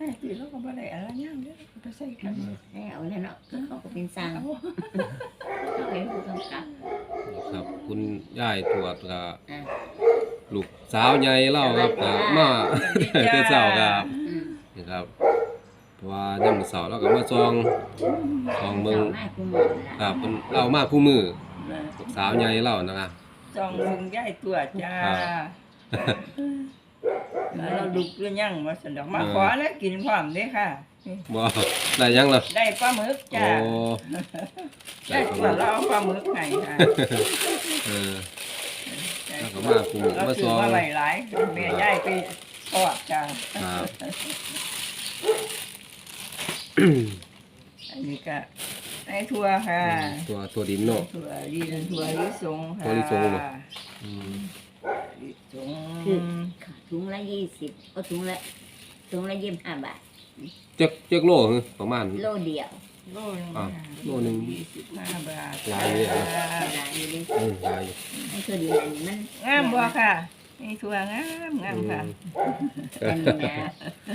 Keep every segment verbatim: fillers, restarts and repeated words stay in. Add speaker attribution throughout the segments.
Speaker 1: ตีแล้วก็บ่ได้อะไรย่างเด้อก็ใส่กัน
Speaker 2: ให้เอาแล้วเนาะเขาก็เป็นสร้างเขาเป็นผู้กำกับ
Speaker 3: ครับคุณยายตรวจก็ลูกสาวใหญ่เล่าครับก็มาแต่เช้าครับนี่ครับเพราะว่ายามมื้อเช้าเราก็มาซองซองเบิ่งครับเพิ่นเล่ามาคู่มือลูกสาวใหญ่เล่านะครับ
Speaker 1: จองลุงยายตัวจ้าแล้วเราดุกหรือยังมาสนอกมาขอแล้วกินพร้อมเด้ค่ะ
Speaker 3: บ่ได้ยังล่ะ
Speaker 1: ได้ปลาหมึกจ้า
Speaker 3: โอ้
Speaker 1: ได้ตัวเราเอาปลาหมึกให้ค่ะ
Speaker 3: เออแล้วก็มาคู่มือมาซอง
Speaker 1: มาไว้หลายแม่ยายไปทอดจ้า
Speaker 3: ครับ
Speaker 1: อันนี้ก็ในทั่วค่ะ
Speaker 3: ตัวตัวดินเนาะ
Speaker 1: ทั่วดินทั่วลิสงค่ะ
Speaker 3: ตัวลิสงบ่อืม
Speaker 1: ลิสง
Speaker 2: ถุงละยี่สิบก็ถุงละถุงละยี่สิบห้าบาท
Speaker 3: จักจักโลคือประมาณ
Speaker 2: โลเดียว
Speaker 1: โลนึง
Speaker 3: โลนึง
Speaker 1: ยี่สิบห้าบาท
Speaker 3: หลายอยู่นะ
Speaker 2: หลายอยู่ดิ
Speaker 3: อืมหลายอยู่
Speaker 2: ให้คือดีอันนี้มัน
Speaker 1: งามบ่ค่ะนี่ทั่วงามงามค่ะ
Speaker 2: อันนี้นะ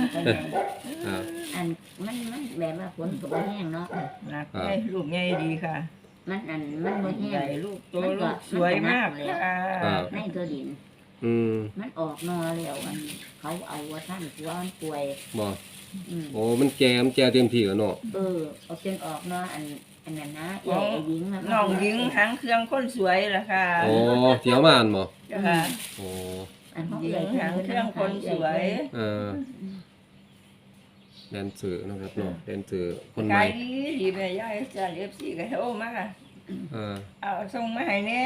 Speaker 2: อันมันมันแบบว่าฝนก็บ่แห้งเนาะ
Speaker 1: หนักใหญ่ลูกใหญ่ดีค่ะ
Speaker 2: มันอันมันบ่แห้ง
Speaker 1: ใหญ่ลูกโตลูกสวยมากเลยค่ะ
Speaker 2: ในตัวดิน
Speaker 3: อืม
Speaker 2: มันออกนอแล้วมันเขาเอาว่าท่านผัวมันป่วย
Speaker 3: บ่โอ้มันแก่มันแก่เต็มที่แล้วเนาะ
Speaker 2: เออเอาจนออกนออันอันนั้นนะใหญ่หญิง
Speaker 1: น้องหญิงหางเครื่องคนสวยล่ะค่ะ
Speaker 3: โอ้เที่ยวมาอันบ่
Speaker 1: ค่ะ
Speaker 3: โอ้
Speaker 2: อัน
Speaker 1: หญิงหางเครื่องคนสวย
Speaker 3: เออแดนเซอร์นะครับเนาะแดนเซอร์คนใหม่
Speaker 1: ขายดีดีแม่ยายจ้า เอฟ ซี ก็โทรมา
Speaker 3: เออ
Speaker 1: เอาส่งมาให้แน่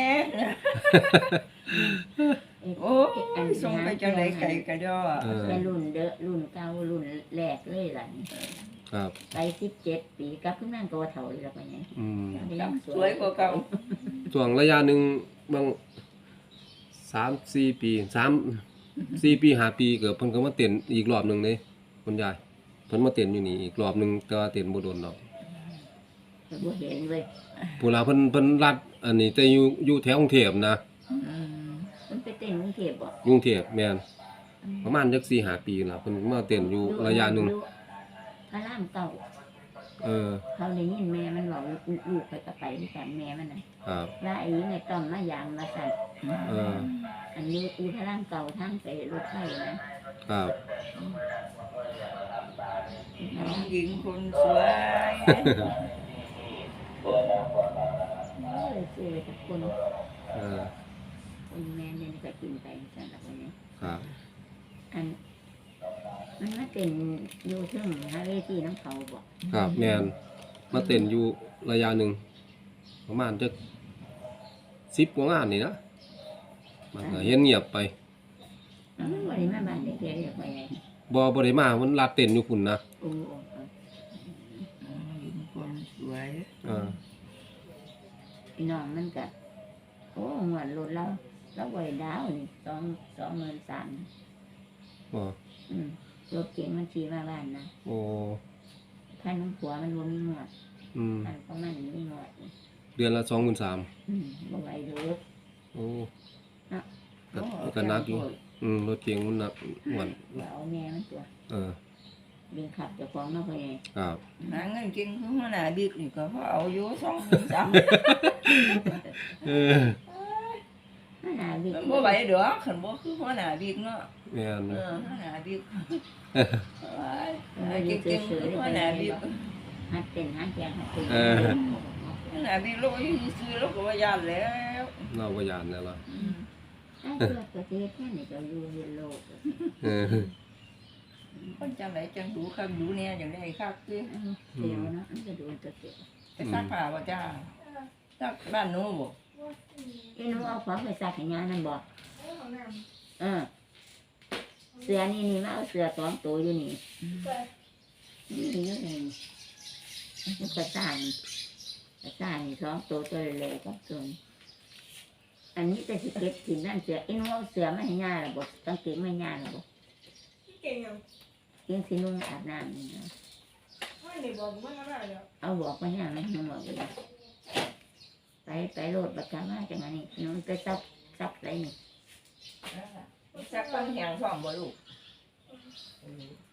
Speaker 1: โอ้ส่งไปจังได๋ไก่กระดอ
Speaker 2: แต่รุ่นเด้อรุ่นเก่ารุ่นแรกเลยล่ะนี่
Speaker 3: ครับ
Speaker 2: ไปสิบเจ็ดปีกลับขึ้นนั่งตัวเฒ่าอีกแล้วไปไง
Speaker 3: อืม
Speaker 1: สวยกว่าเก่า
Speaker 3: ช่วงระยะนึงบางสาม สี่ปีสาม สี่ปีห้าปีเกิดเพิ่นก็มาเต้นอีกรอบนึงเด้คุณยายเพิ่นมาเต้นอยู่นี่อีกรอบนึงแต่ว่าเต้นบ่โดนดอก
Speaker 2: บ่เห็นเว้ย
Speaker 3: ผู้ลาเพิ่นเพิ่นรัดอันนี้แต่อยู่อยู่แถวกรุงเทพนะ
Speaker 2: อืมเพิ่นไปเต้นกรุงเทพบ่
Speaker 3: กรุงเทพแม่นประมาณจัก สี่ห้า ปีล่ะเพิ่นมาเต้นอยู่ระยะนึง
Speaker 2: พระรามเก่า
Speaker 3: เออ
Speaker 2: เขาได้ยินแม่มันบอกลูกไปก็ไปด้วยกันแม่มันน่ะ
Speaker 3: ครับ
Speaker 2: ว่าไอ้นี่ต้อมมาอย่างมาสั่น
Speaker 3: เออ
Speaker 2: อันนี้อีพระรามเก่าทางไปรถไฟนะครับ
Speaker 1: น้องหญิงคนสวย
Speaker 2: เออสวยทุกคน
Speaker 3: เออ
Speaker 2: คนแม่เนี่ยก็กินไปสั่นละวันนี้
Speaker 3: ครับ
Speaker 2: อันมันมาเต้นอยู่เทิงหาเวทีน้ำเขาบ่
Speaker 3: ครับแม่นมาเต้นอยู่ระยะนึงประมาณจักสิบกว่างานนี่นะมันก็เห็นเงียบไป
Speaker 2: อ๋อบ่ได้มาบ้านเด็กๆเรียกไปไง
Speaker 3: บ่บ่ได้มามันลาเต้นอยู่พุ่นนะ
Speaker 2: โอ้
Speaker 1: คนสวย
Speaker 3: เออ
Speaker 2: พี่น้องมันก็โอ้เหมือนรถเราเราบ่ได้ดาวนี่สอง สองหมื่นสาม
Speaker 3: บ่
Speaker 2: อืมรถเก๋งมันขี่มาบ้านนะ
Speaker 3: โอ้
Speaker 2: ท่านผัวมันบ่มีหมวด
Speaker 3: อืม
Speaker 2: ท่านของมันมีหมวด
Speaker 3: เดือนละสองหมื่นสาม
Speaker 2: อืมบ่ไหวเด้อ
Speaker 3: โอ้ก็ก็นักอยู่อืมรถเก๋งมันหนักหวน
Speaker 2: เอาแม่มันตัว
Speaker 3: เออ
Speaker 2: เบิ่งขับเจ้าของเนาะพ่อใหญ่
Speaker 3: ครับ
Speaker 1: หาเงินกินคือหัวหน้าบิ๊กนี่ก็เขาเอาอยู่สองหมื่นสาม
Speaker 3: เออ
Speaker 2: หัวหน้าบิ๊ก
Speaker 1: บ่ไหวดอกคันบ่คือหัวหน้าบิ๊กเนาะ
Speaker 3: แม่น
Speaker 1: เออหัวหน้าบิ๊กเอ้ยกินกินคือหัวหน้าบิ๊ก
Speaker 2: หัดเต้นหัดแจงหัดเต้น
Speaker 3: เออ
Speaker 1: หัวหน้าบิ๊กโลอยู่ซื่อๆแล้วก็ว่าย่านแล้ว
Speaker 3: เราบ่ย่านแล้วล่ะ
Speaker 2: ไอ้เจ้าประเทศแค่นี้ก็อยู่เฮ็ดโลก
Speaker 3: เออ
Speaker 1: คนจังได๋จังดูคักดูแน่จังได้คักติ
Speaker 2: เดี๋ยวนะมันจะดูตัวเสีย
Speaker 1: ไปซักผ้าบ่จ้าซักบ้านหนูบ่
Speaker 2: อีหนูเอาของไปซักให้ยานั่นบ่เออเสื้อนี่นี่มาเอาเสื้อสองตัวอยู่นี่นี่อยู่นี่มันกระซ่านกระซ่านนี่สองตัวตัวเล็กๆก็ส่วนอันนี้แต่สิเก็บถิ่นนั่นเสืออีหนูเอาเสือมาให้ยาล่ะบ่ต้องเก็บมาให้ยาล่ะบ่
Speaker 1: เก่งยัง
Speaker 2: เก่งสินุ่งอาบน้ำนี่นะ
Speaker 1: ไม่ได้บอกมันอะไรแล้ว
Speaker 2: เอาบอกมาย่าไม่ให้บอกเลยไปไปโหลดบัตรมาจังไงนี่น้องไปซับซับอะไรนี่
Speaker 1: ซักต้องแหงพร้อมบ่ลูก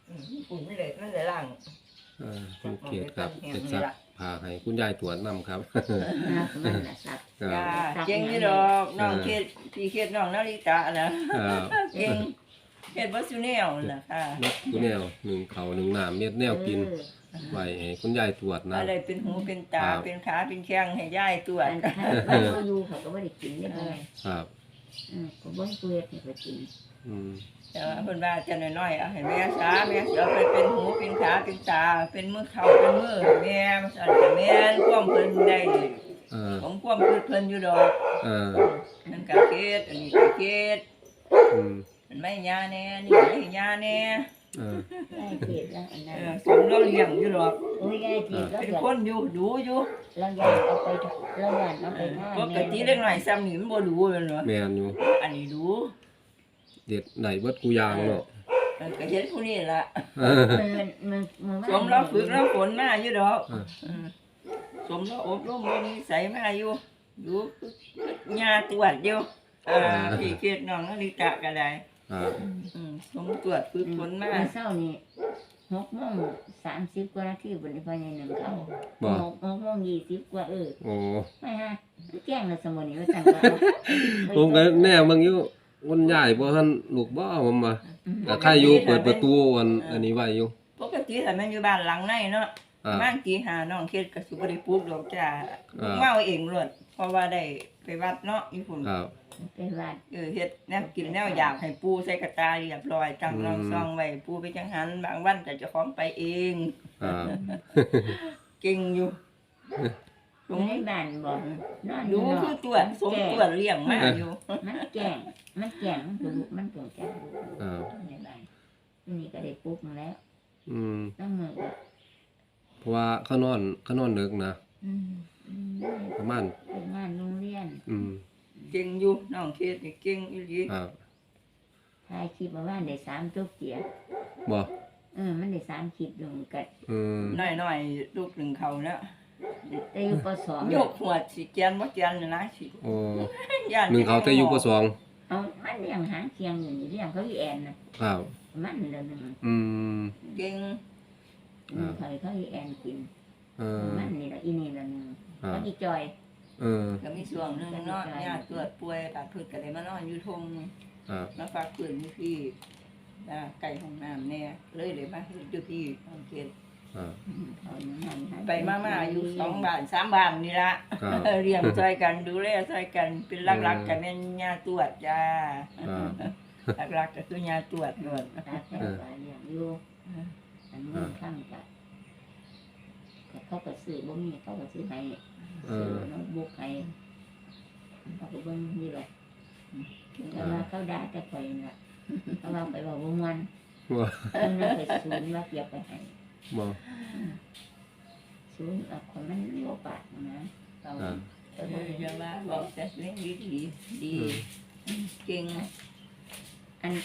Speaker 1: อืมปุ่นไม่เลยนั่นเลยล่าง
Speaker 3: เออคุณเกียรติครับเกียรติศักดิ์พาให้คุณยายตรวจนำครับ
Speaker 2: นะมันน่ะสัก
Speaker 3: ค
Speaker 1: จ้า
Speaker 3: รับ
Speaker 1: เก่งอยู่ดอกน้องเคสพี่เคสน้องนาฬิกานะครับ เก่งเฮ็ดบ่ซุแนวนั่นล่ะค่ะ
Speaker 3: นักกูแนวหนึ่งเขาหนึ่งน้ำเม็ดแนวกิน
Speaker 2: เออ
Speaker 3: ไว้ให้คุณยายตรวจนะ
Speaker 1: อะไรเป็นหูเป็นตา
Speaker 3: ครับ
Speaker 1: เป็นขาเป็นแข้งให้ยายตรวจ
Speaker 2: อันถ้าบ้านเขาอยู่เขาก็ไม่ได้กินได้ไง
Speaker 3: ครับ
Speaker 2: อืมก็บ่ให้เปลือกให้เขากิน
Speaker 3: อืม
Speaker 1: แต่ว่าเพิ่นว่าจะน้อยๆเอาให้แม่ซาแม่สิเอาไปเป็นหูเป็นขาเป็นตา เป็นมือเข่าเป็นมือให้แม่มันสั่นก็แม่นความเพิ่นได้
Speaker 3: เออ
Speaker 1: ของความคือเพิ่นอยู่ดอก
Speaker 3: เออ
Speaker 1: นั่นก็เฮ็ดอันนี้ก็เฮ็ด
Speaker 3: อืม
Speaker 1: มันไม่ยาแน่นี่ไม่ยาแน่
Speaker 3: เออ
Speaker 2: ได้เจ็บแล้วอัน
Speaker 1: เอ
Speaker 2: นั้น
Speaker 1: อสมเราเลี้ยงอยู่ดอก
Speaker 2: โอ้ยได้เจ็บแล้ว
Speaker 1: เป็น
Speaker 2: เดี๋ยว
Speaker 1: คนอยู่ดูอยู่
Speaker 2: เราอยากเอาไปเราอยากเอาไปหน้า
Speaker 1: ปกติเล็กน้อยซ้ำนี่มันบ่ดูแม่นบ่
Speaker 3: แม่นอยู่
Speaker 1: อันนี้ดู
Speaker 3: เด็ดได้เบิดกูยางเนาะ
Speaker 1: เออก็เฮ็ดผู้นี้ล่ะ
Speaker 3: เออ
Speaker 2: มันมันมัน
Speaker 1: สมเราฝึกเราฝนมาอยู่ดอก
Speaker 3: เออ
Speaker 1: เออสมเราอบรมเรานิสัยมาอยู่ดูญาตรวจอยู่อ่าพี่เกดน้องนาฬิกาก็ได้
Speaker 3: ครับ
Speaker 1: อืมสมตรวจฝึกฝนมา
Speaker 2: เช้านี่หกโมงสามสิบกว่านาทีบนนี้พอใหญ่หนึ่งเขา
Speaker 3: บ่
Speaker 2: หกหกโมงยี่สิบกว่าเออ
Speaker 3: โอ้
Speaker 2: ไม่ฮะแกล้งเราสมุนนี่ว่าจังก็เอา
Speaker 3: ผมก็แน่เบิ่งอยู่วันใหญ่บ่ทันลูกบ่ผมว่า
Speaker 2: อืม
Speaker 3: แต่ใครอยู่เปิดประตูอันอันนี้ไว้อยู่
Speaker 1: ปกติถ้ามันอยู่บ้านหลังในเนาะ
Speaker 3: อ่า
Speaker 1: บ้านตีหาน้องเกดก็สิบ่ได้ปลูกดอกจ้า
Speaker 3: อ่า
Speaker 1: เมาเองล้วนเพราะว่าได้ไปวัดเนาะอีพุ่น
Speaker 3: ครับ
Speaker 2: ไปวัด
Speaker 1: เออเฮ็ดแนวกินแนวอยากให้ปูใส่กระตาเรียบร้อยตั้ง
Speaker 3: อืม
Speaker 1: รองซองไว้ปูไปจังหันบางวันก็เจะของไปเอง
Speaker 3: ครับ
Speaker 1: เก่งอยู่ส
Speaker 2: อยู่
Speaker 1: ม
Speaker 2: ในบ้านบอกนอนอ
Speaker 1: ดู
Speaker 2: ยู่น
Speaker 1: คือ อก ตรวจสมตรวจเลี้ยงมาอยู่
Speaker 2: มันแกล้งมันแกล้งมันถูกมันถูกแกล้ง
Speaker 3: ครับ
Speaker 2: ในบ้านทีนี้ก็ได้ปลุ๊กมาแล้ว
Speaker 3: อืม
Speaker 2: ต้องมือก็
Speaker 3: เพราะว่าเขานอนเขานอนดึกนะ
Speaker 2: อืมอืม
Speaker 3: ประมาณ
Speaker 2: ไปงานโรงเรียน
Speaker 3: อืม
Speaker 1: เก่งอยู่น้องเคสนี่เก่งอีหลี
Speaker 3: ครับ
Speaker 2: ถ่ายคลิปมาว่าได้สามจบเกียร์
Speaker 3: บ่
Speaker 2: เออมันได้สามคลิปลงกัน
Speaker 3: อืม
Speaker 1: น้อยๆลูกหนึ่งเขาเนาะ
Speaker 2: แต่อยู่ปสอง
Speaker 1: ยกหัวสิเกียนบ่เกียนน่ะนะสิ
Speaker 3: โอ้
Speaker 1: ย่าน
Speaker 3: หนึ่งเขาแต่อยู่ปสอง
Speaker 2: เอามันเลี้ยงหางเคียงอยู่นี่เลี้ยงเขาอีแอนนะครับ มันเดือนหนึ่ง
Speaker 3: อืม
Speaker 1: เก่ง
Speaker 2: อืมเขาเขาอีแอนกิน
Speaker 3: เออ
Speaker 2: มันนี่ละอีนี่ละหนึ่ง
Speaker 3: ครับ
Speaker 2: เขาอีจอย
Speaker 3: เออ
Speaker 1: ก็มีช่วงหนึงเนาะญาติเกิดป่วยตัดพืชก็ได้มานอนอยู่ทง
Speaker 3: ครับ
Speaker 1: มาฝากปืนอยู่พี่อ่าไก่ห้องน้ำแน่เลยเลยมาเฮ็ดอยู่พี่น้องเคส
Speaker 3: ครับ
Speaker 2: อืมเขาอย่างนั้นให้
Speaker 1: ไปมามาอยู่สองบ้านสามบ้านนี่ละ
Speaker 3: ครับ
Speaker 1: เออเลี้ยงช่วยกันดูแลช่วยกันเป็นหลักๆกันแม่นญาตรวจจ้า
Speaker 3: ครับ
Speaker 1: หลักๆก็คือยาตรวจด้วย
Speaker 2: ตาแก้วเลี้ยงอยู่อันนี้ข้างกับเขาก็ซื้อบ่มีเขาก็ซื้อให้
Speaker 3: เอ
Speaker 2: ซื้อ
Speaker 3: อ
Speaker 2: โน้ตบุ๊กให้เขาก็เบิ่งนี่แหละแต่ว่าเขาด่าแต่ข่อยน่ะเขาว่าไปบอกบ่ม่วน
Speaker 3: บ่
Speaker 2: เพิ่นน่ะไปศูนย์ว่าเก็บไปให้
Speaker 3: บ่
Speaker 2: ศูนย์เอาคนมันบ่ปากนะเขา
Speaker 3: อ่า
Speaker 2: เออ
Speaker 1: เอออย่าว่าบอกแต่เรื่องดีดีดี
Speaker 3: อืม
Speaker 1: เก่ง
Speaker 2: อัน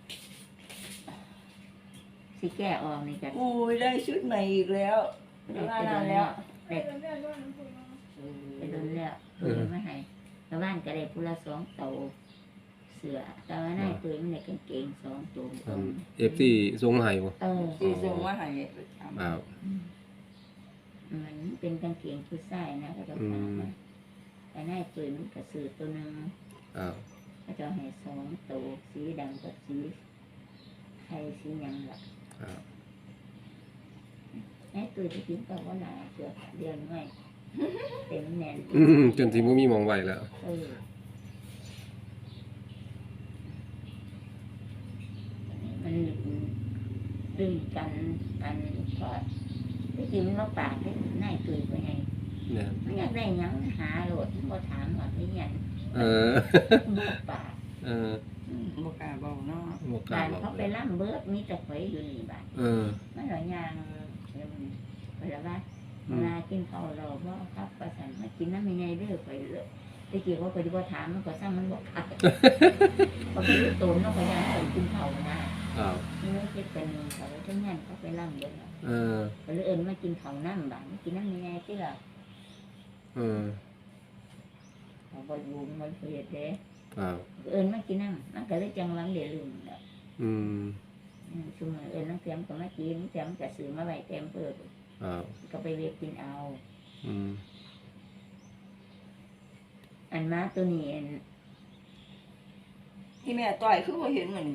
Speaker 2: สิแก้ออกนี่ก็
Speaker 1: อุ้ยได้ชุดใหม่อีกแล้ว
Speaker 2: ได้
Speaker 1: ว่า
Speaker 2: ไปโด
Speaker 1: นาน
Speaker 2: น
Speaker 1: แล้
Speaker 2: แล้ว วได้ไปโดนแล้วเพิ่นมาให้ชาวบ้านก็ได้ผู้ละสองโตวเสือแต่ว่าในตัวมันได้กางเกงสองตัว
Speaker 3: อัน เอฟ ซี ส่งมาให้บ่
Speaker 2: เออ
Speaker 1: ที่ส่งมาให้ไปทำ
Speaker 3: ครับ
Speaker 2: มันเป็นกางเกงผู้ชายนะก็จะฝากมาแต่ในตัวมันก็ซื้อตัวหนึง
Speaker 3: ครับ
Speaker 2: ก็จะให้สองตัวสีดำกับสีไทยสีหยังล่ะ
Speaker 3: ครับ
Speaker 2: ไอ้ตัวที่กินก็ว่าหนาเสือเดือนไว้เต็มแน่น
Speaker 3: อืมจนสิบ่มีหมองไว้แล้ว
Speaker 2: เออมันดึงกันอันก็ที่จริงมันมาปากที่นายตุยไปไง
Speaker 3: เนี่ย
Speaker 2: มันอยากได้หยังหาโหลดมันบ่ถามว่าไม่ยัง
Speaker 3: เออ
Speaker 2: บ่ปาก
Speaker 3: เออ
Speaker 1: อืมบ่กล้าเบาเนาะ
Speaker 3: บ่กล้า
Speaker 2: บ้าน
Speaker 3: บอก
Speaker 2: เขาไปล่ำเบิดมีแต่ข่อยอยู่นี่บ้าน
Speaker 3: เออ
Speaker 2: มันหลายอย่างเดี๋ยวมันไปแล้วว่า
Speaker 3: อื
Speaker 2: เว
Speaker 3: ม
Speaker 2: ลากินข้าวเราบ่ครับประสานมากินน้ำไม่ไงเด้อไปเลยตะกี้ว่าไปดีว่าถามมันก็สร้างมันบอกครับพอไปรู้ตัวมันก็ยังไปกินข้าวนะครับ นี่ไม่คิดเป็นเขาทั้งนั้นเขาไปล่ำเบิดแล้ว
Speaker 3: เออ
Speaker 2: ก็เลยเอิญมากินข้าวน้ำบ้านกินน้ำไม่ไงที่ละ
Speaker 3: เออ
Speaker 2: เขาบ่อยู่มันเสียเด้
Speaker 3: ครับ
Speaker 2: เอิญมากินน้ำมันก็เลยจังหวังเดือดลืมแล้ว
Speaker 3: อืม
Speaker 2: อืมซุมื้อเอิ้นน้ำเสียมก็มากินเสียมก็ซื้อมาไว้เต็มเปิด
Speaker 3: ครับ
Speaker 2: ก็ไปเวกกินเอา
Speaker 3: อืม
Speaker 2: อันมาตัวนี้อัน
Speaker 1: ที่แม่ต่อยคือบ่เห็นมัน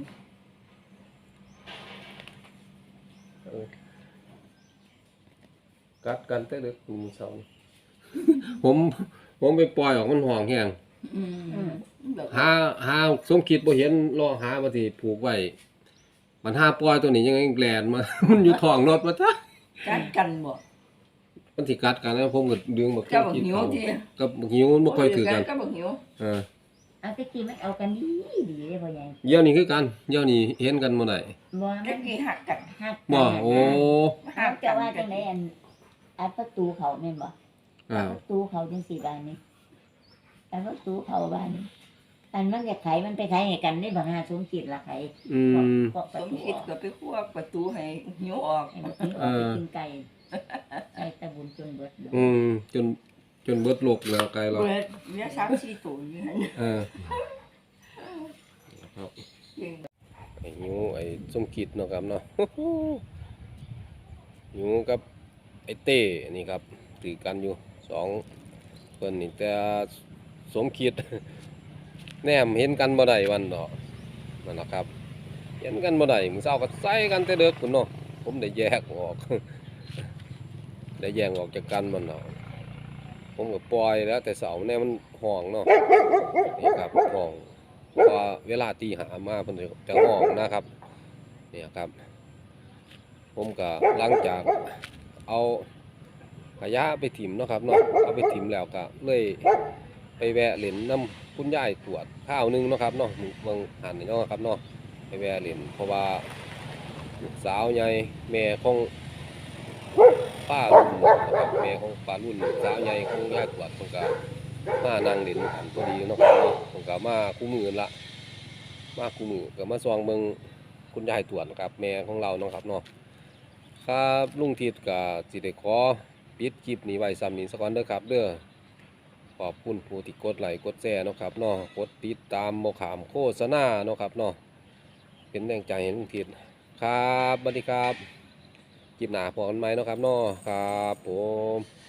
Speaker 3: กัดกันแต่เด็กมือเสา ผมผมไปปล่อยออกมันห่องแห้ง
Speaker 1: อืม
Speaker 2: อืม
Speaker 1: แบบ
Speaker 3: หาหาสมคิดบ่เห็นรอหาบ่สิผูกไว้มันหาปล่อยตัวนี้ยังไงแลนมา มันอยู่ท้องรถว่าจ้ะ
Speaker 1: กัดกันบ่
Speaker 3: มันสิกัดกันแล้วผมก็ดึงบัก
Speaker 1: เจ้าบัก
Speaker 3: คิด
Speaker 1: หิว
Speaker 3: เขา
Speaker 1: ที่
Speaker 3: กับบักหิวมันบ่ค่อยถือกัน
Speaker 1: ก็บักหิว
Speaker 3: เออ
Speaker 2: เอาแตะกี้มันเอากันดีดีเด้พ่อใหญ่
Speaker 3: เดี๋ยวนี้คือกันเดี๋ยวนี้เห็นกันบ่ได้
Speaker 2: บ่มั
Speaker 1: เมื่อน กี้หักกัน
Speaker 2: ฮัก
Speaker 3: บ่
Speaker 2: กัน
Speaker 3: โอ้
Speaker 2: ฮักจะว่าจังไดอันอันประตูเขาแม่นบ่
Speaker 3: อ้าว
Speaker 2: ประตูเขาจังสี่บานนี้อันประตูเขาบ้านนี้อันมันจะไขมันไปไขให้กันได้บ่หาสมคิดละไข
Speaker 3: อืม
Speaker 2: ก็ป
Speaker 1: ส
Speaker 2: ระ
Speaker 1: ม
Speaker 2: ตู
Speaker 1: คิด
Speaker 2: ออก
Speaker 1: ก็ไปคั่วประตูให้หิวออก
Speaker 2: ให้มันกินออกไปกินไก่ไก่ตะบุญจนเบิดเลย
Speaker 3: อืมจนจนเบิดโลกแล้วไกลแล้ว
Speaker 1: เบิดเหลือสามสี่ตัวอยู่หั่น
Speaker 3: เออครับ
Speaker 1: จริง
Speaker 3: ไอ้หิวไอ้สมคิดเนาะครับเนาะ หิวกับไอ้เต้นี่ครับถือกันอยู่สองเพิ่นนี่แต่สมคิด แนมเห็นกันบ่ได้วันดอกนั่นแหละครับ เห็นกันบ่ได้มื้อเช้าก็ใส่กันแต่เด็กพุ่นเนาะผมได้แยกออก ได้แยกออกจากกันมันเนาะผมก็ปล่อยแล้วแต่เสาเนี่ยมันห้องเนาะนี่ครับห้องพอเวลาตีหามาเพิ่นจะห้องนะครับเนี่ยครับ ผมก็หลังจากเอาขยะไปถิ่มเนาะครับเนาะเอาไปถิ่มแล้วก็เลยไปแวะเล่นน้ำคุณยายตรวจข้าวหนึงเนาะครับเนาะเมืองหันนี่เนาะครับเนาะไปแวะเล่นเพราะว่าลูกสาวใหญ่แม่ของป้ารุ่นนะครับแม่ของป้ารุ่นลูกสาวใหญ่ของยายตรวจเพิ่นก็มานั่งเล่นกันพอดีเนาะครับเนาะเพิ่นก็มาคู่มือละมาคู่มือก็มาซองเบิ่งคุณยายตรวจนะครับแม่ของเราเนาะครับเนาะ ครับลุงทิดก็สิได้ขอปิดคลิปนี้ไว้ซ้ำนี้สักก่อนเด้อครับเด้อขอบคุณผู้ที่กดไลค์กดแชร์เนาะครับเนาะกดติดตามบ่ขามโฆษณาเนาะครับเนาะเป็นแรงใจให้ลุงทิดครับสวัสดีครับคลิปหน้าพบกันใหม่เนาะครับเนาะครับผม